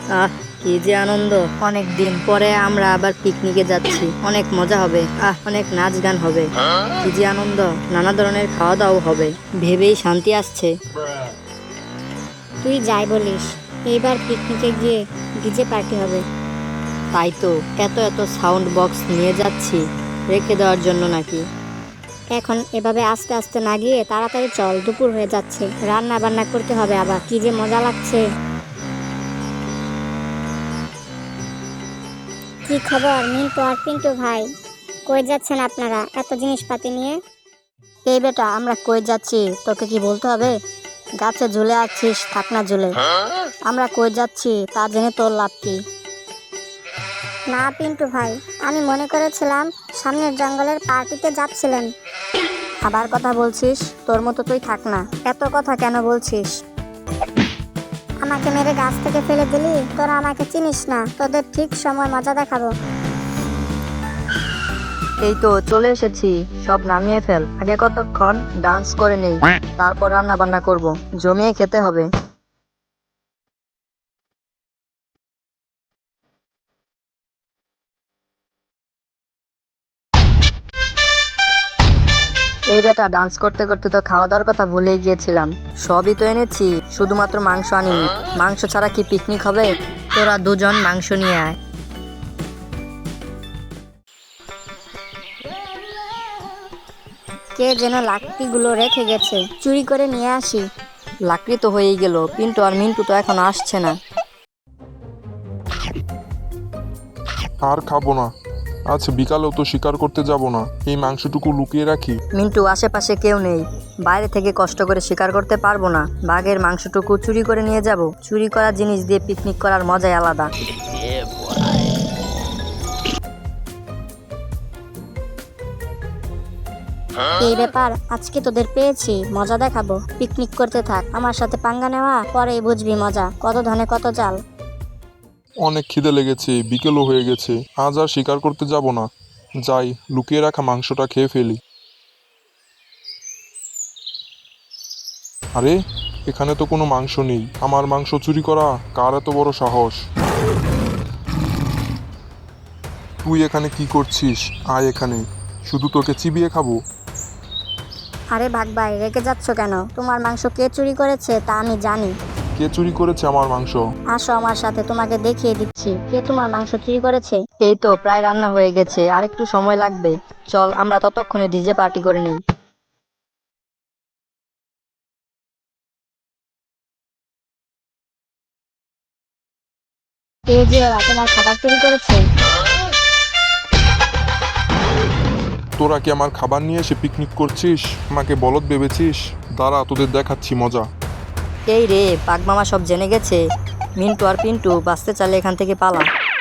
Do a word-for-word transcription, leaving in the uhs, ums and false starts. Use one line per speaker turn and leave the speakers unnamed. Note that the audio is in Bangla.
আহ কি যে আনন্দ, অনেক দিন পরে আমরা আবার পিকনিকে যাচ্ছি, অনেক মজা হবে। আহ অনেক নাচ গান হবে, কি যে আনন্দ, নানা ধরনের খাওয়া দাওয়া হবে, ভেবেই শান্তি আসছে।
তুই যাই বলিস, এইবার পিকনিকে গিয়ে ডিজে পার্টি হবে।
তাই তো, এত এত সাউন্ড বক্স নিয়ে যাচ্ছি, রেখে দেওয়ার জন্য নাকি?
এখন এভাবে আস্তে আস্তে না গিয়ে তাড়াতাড়ি চল, দুপুর হয়ে যাচ্ছে, রান্না বান্না করতে হবে আবার, কি যে মজা লাগছে। কি খবর মিন্টু আর পিন্টু ভাই, কই যাচ্ছেন আপনারা এত জিনিসপাতি নিয়ে?
এই বেটা, আমরা কই যাচ্ছি তোকে কি বলতে হবে? গাছে ঝুলে আছিস, থাক না ঝুলে। আমরা কই যাচ্ছি তা জেনে তোর লাভ কি?
না পিন্টু ভাই, আমি মনে করেছিলাম সামনের জঙ্গলের পার্টিতে যাচ্ছিলেন।
আবার কথা বলছিস? তোর মতো তুই থাক না, এত কথা কেন বলছিস?
আমাকে মেরে গাছ থেকে ফেলে দিলি, তোরা আমাকে চিনিস না, তোদের ঠিক সময় মজা দেখাবো।
এই তো চলে এসেছি, সব নামিয়ে ফেল। আগে কতক্ষণ ডান্স করে নেই, তারপর রান্না বান্না করব, জমিয়ে খেতে হবে। এই বেটা, ডান্স করতে করতে তো খাওয়া দাওয়ার কথা ভুলেই গিয়েছিলাম। সবই তো এনেছি, শুধুমাত্র মাংস আনিনি। মাংস ছাড়া কি পিকনিক হবে? তোরা দুজন মাংস নিয়ে আয়।
কে যেন লাকড়িগুলো রেখে গেছে, চুরি করে নিয়ে আসি।
লাকড়ি তো হয়েই গেল, পিন্টু আর মিন্টু তো এখন আসছে না।
আর খাবো না, আজ বিকালেও তো শিকার করতে যাব না, এই মাংসটুকু লুকিয়ে রাখি।
মিন্টু, আশেপাশে কেউ নেই, বাইরে থেকে কষ্ট করে শিকার করতে পারবো না। বাঘের মাংসটুকু চুরি করে নিয়ে যাব। চুরি করা জিনিস দিয়ে পিকনিক করার মজাই আলাদা।
এই ব্যাপার, আজকে তোদের পেয়েছি, মজা দেখাবো। পিকনিক করতে থাক, আমার সাথে পাঙ্গা নেওয়া পরেই বুঝবি মজা, কত ধনে কত চাল।
অনেক খিদে লেগেছে, বিকেলও হয়ে গেছে, আজ আর শিকার করতে যাব না। যাই, লুকিয়ে রাখা মাংসটা খেয়ে ফেলি। আরে, এখানে তো কোনো মাংস নেই। আমার মাংস চুরি করা কার এত বড় সাহস? তুই এখানে কি করছিস? আয় এখানে, শুধু তোকে চিবিয়ে খাবো।
আরে ভাগ ভাই, রেগে যাচ্ছ কেন? তোমার মাংস কে চুরি করেছে তা আমি জানি।
কে চুরি করেছে আমার মাংস?
আসো আমার সাথে, তোমাকে দেখিয়ে দিচ্ছি কে তোমার মাংস চুরি করেছে।
এই তো প্রায় রান্না হয়ে গেছে, আর একটু সময় লাগবে। চল আমরা ততক্ষণে ডিজে পার্টি করে নিই।
কে যে ওরা তোমার খাবার চুরি করেছে?
তোরা কি আমার খাবার নিয়ে এসে পিকনিক করছিস? আমাকে বলদ ভেবেছিস? দাঁড়া, তোদের দেখাচ্ছি মজা।
এই রে, বাঘ মামা সব জেনে গেছে। মিন্টু আর পিন্টু, বাঁচতে চাইলে এখান থেকে পালা।